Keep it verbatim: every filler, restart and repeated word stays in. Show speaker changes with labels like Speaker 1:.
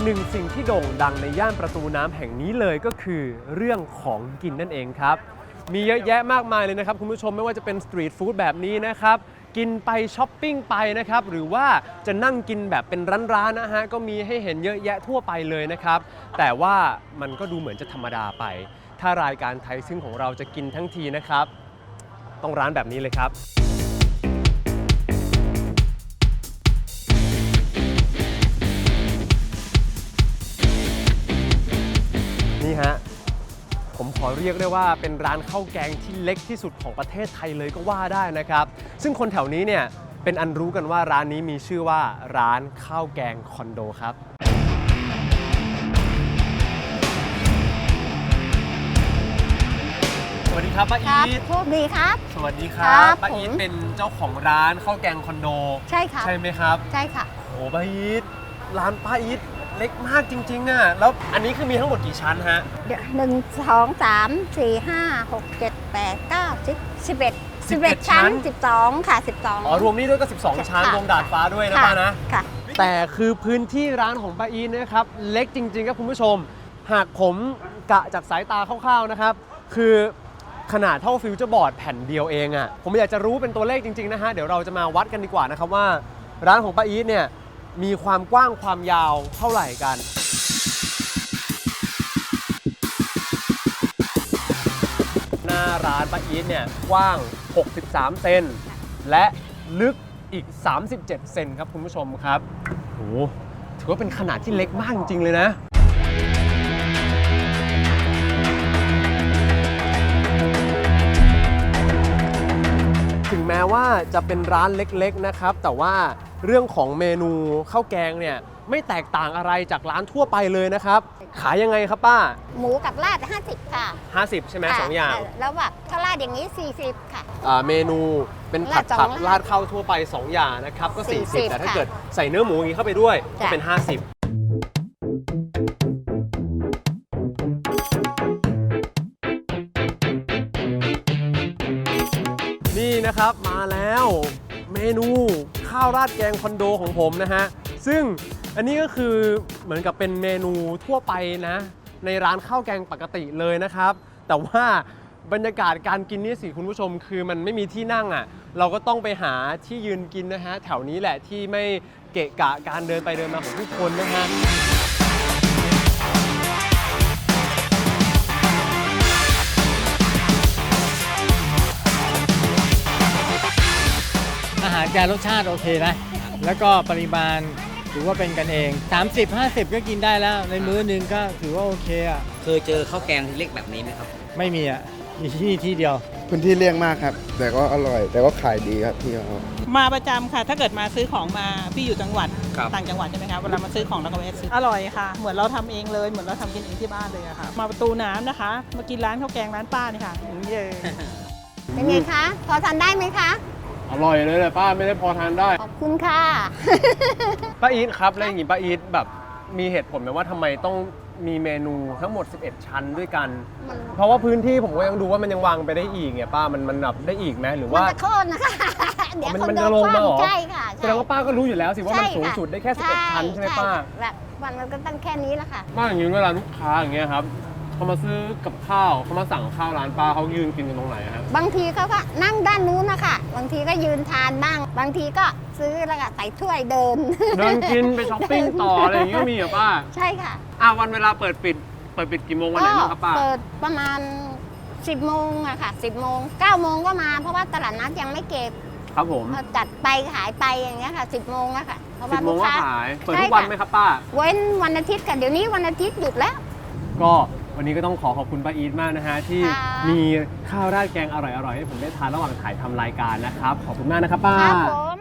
Speaker 1: หนึ่งสิ่งที่โด่งดังในย่านประตูน้ำแห่งนี้เลยก็คือเรื่องของกินนั่นเองครับมีเยอะแยะมากมายเลยนะครับคุณผู้ชมไม่ว่าจะเป็นสตรีทฟู้ดแบบนี้นะครับกินไปช้อปปิ้งไปนะครับหรือว่าจะนั่งกินแบบเป็นร้านๆนะฮะก็มีให้เห็นเยอะแยะทั่วไปเลยนะครับแต่ว่ามันก็ดูเหมือนจะธรรมดาไปถ้ารายการไทยซึ่งของเราจะกินทั้งทีนะครับต้องร้านแบบนี้เลยครับนี่ฮะผมขอเรียกได้ว่าเป็นร้านข้าวแกงที่เล็กที่สุดของประเทศไทยเลยก็ว่าได้นะครับซึ่งคนแถวนี้เนี่ยเป็นอันรู้กันว่าร้านนี้มีชื่อว่าร้านข้าวแกงคอนโดครับสวัสดีครับป้าอีท
Speaker 2: โชคดีครับ
Speaker 1: สวัสดีครับป้าอีทเป็นเจ้าของร้านข้าวแกงคอนโด
Speaker 2: ใช่ค่ะ
Speaker 1: ใช่ไหมครับ
Speaker 2: ใช่ค่ะ
Speaker 1: โอ้ป้าอีทร้านป้าอีทเล็กมากจริงๆอ่ะแล้วอันนี้คือมีทั้งหมดกี่ชั้นฮะ
Speaker 2: หนึ่งสองสามสี่ห้าหกเจ็ดแปดเก้าสิบสิบเอ็ดสิบเอ็ดชั้นสิบสองค่ะสิบสอง
Speaker 1: อ๋อรวมนี้ด้วยก็สิบสองชั้นรวมดาดฟ้าด้วยนะป้านะ
Speaker 2: ค่ะ
Speaker 1: แต่คือพื้นที่ร้านของป้าอีทนะครับเล็กจริงๆครับคุณผู้ชมหากผมกะจากสายตาคร่าวๆนะครับคือขนาดเท่าฟิวเจอร์บอร์ดแผ่นเดียวเองอ่ะผมอยากจะรู้เป็นตัวเลขจริงๆนะฮะเดี๋ยวเราจะมาวัดกันดีกว่านะครับว่าร้านของป้าอีทเนี่ยมีความกว้างความยาวเท่าไหร่กันหน้าร้านป้าอีทเนี่ยกว้างหกสิบสามเซนและลึกอีกสามสิบเจ็ดเซนครับคุณผู้ชมครับโอ้ถือว่าเป็นขนาดที่เล็กมากจริงๆเลยนะถึงแม้ว่าจะเป็นร้านเล็กๆนะครับแต่ว่าเรื่องของเมนูข้าวแกงเนี่ยไม่แตกต่างอะไรจากร้านทั่วไปเลยนะครับขายยังไงครับป้า
Speaker 2: หมูกับราดห้าสิบค่ะ
Speaker 1: ห้าสิบใช่ไหมสองอย่าง
Speaker 2: แล้วแบบถ้าราดอย่างนี้สี่สิบค่ะ
Speaker 1: เมนูเป็นผัดผักราดข้าวทั่วไปสองอย่างนะครับก็สี่สิบแต่ถ้าเกิดใส่เนื้อหมูอย่างนี้เข้าไปด้วยก็เป็นห้าสิบนี่นะครับมาแล้วเมนูข้าวราดแกงคอนโดของผมนะฮะซึ่งอันนี้ก็คือเหมือนกับเป็นเมนูทั่วไปนะในร้านข้าวแกงปกติเลยนะครับแต่ว่าบรรยากาศการกินนี่สิคุณผู้ชมคือมันไม่มีที่นั่งอ่ะเราก็ต้องไปหาที่ยืนกินนะฮะแถวนี้แหละที่ไม่เกะกะการเดินไปเดินมาของทุกคนนะฮะ
Speaker 3: อาหารแกรสชาติโอเคนะแล้วก็ปริมาณถือว่าเป็นกันเอง สามสิบ ห้าสิบ ก็กินได้แล้วในมื้อนึงก็ถือว่าโอเคอ่ะ
Speaker 4: เคยเจอข้าวแกงที่เล็กแบบนี้ไหมครับ
Speaker 3: ไม่มีอ่ะมีที่นี่ที่เดียว
Speaker 5: พื้นที่เลี่ยงมากครับแต่ก็อร่อยแต่ก็ขายดีครับพี่เขา
Speaker 6: มาประจำค่ะถ้าเกิดมาซื้อของมาพี่อยู่จังหวัดต่างจังหวัดใช่ไหมคะเวลามาซื้อของเราก็ไปซื้ออร่อยค่ะเหมือนเราทำเองเลยเหมือนเราทำกินเองที่บ้านเลยอะค่ะมาประตูน้ำนะคะมากินร้านข้าวแกงร้านป้านี่ค่ะอย่างนี้เลย
Speaker 2: เป็นไงคะพอทานได้ไหมคะ
Speaker 1: อร่อยเลยแหละป้าไม่ได้พอทานได้
Speaker 2: ขอบคุณค่ะ
Speaker 1: ป้าอีทครับแล้วอย่างนี้ป้าอีทแบบมีเหตุผลไหมว่าทำไมต้องมีเมนูทั้งหมดสิบเอ็ดชั้นด้วยกันเพราะว่าพื้นที่ผมก็ยังดูว่ามันยังวางไปได้อีกเนี่ยป้ามันมันแบบได้อีกไหมหรือว่า
Speaker 2: มันจะโค่นนะคะ
Speaker 1: เดี๋ยวมันจะลงมาหรอ
Speaker 2: ใช่ค่ะ
Speaker 1: แสดงว่าป้าก็รู้อยู่แล้วสิว่ามันสูงสุดได้แค่สิบเอ็ดชั้นใช่ไหมป้า
Speaker 2: แบบวันมันก็ตั้งแค่นี้แหละค่ะ
Speaker 1: ป้าอย่างนี้เวลาลูกค้าอย่างเงี้ยครับเขามาซื้อกับข้าวเขามาสั่งข้าวร้านป้าเขายืนกินกันตรงไหนครับ
Speaker 2: บางทีเขาก็นั่งด้านนู้นนะคะบางทีก็ยืนทานบ้างบางทีก็ซื้อแล้วก็ใส่ถ้วยเดิน
Speaker 1: เดินกินไปช้อปปิ้งต่ออะไรอย่างเงี้ยมีเหรอป้า
Speaker 2: ใช่ค่ะ
Speaker 1: อ่าวันเวลาเปิดปิดเปิดปิดกี่โมงวันไหนบ้างครับป้า
Speaker 2: เปิดประมาณสิบโมงอะค่ะสิบโมงเก้าโมงก็มาเพราะว่าตลาดนัดยังไม่เก็บ
Speaker 1: ครับผม
Speaker 2: จัดไปขายไปอย่างเงี้ยค่ะสิบโมงอะค่ะ
Speaker 1: เพราะว่าลูกค้าขายเปิดทุกวันไหมครับป้า
Speaker 2: เว้นวันอาทิตย์ค่ะเดี๋ยวนี้วันอาทิตย์หยุดแล้ว
Speaker 1: ก็วันนี้ก็ต้องขอขอบคุณป้าอีทมากนะฮะที่มีข้าวราดแกงอร่อยๆให้ผมได้ทานระหว่างถ่ายทำรายการนะครับขอบคุณมากนะครับป้า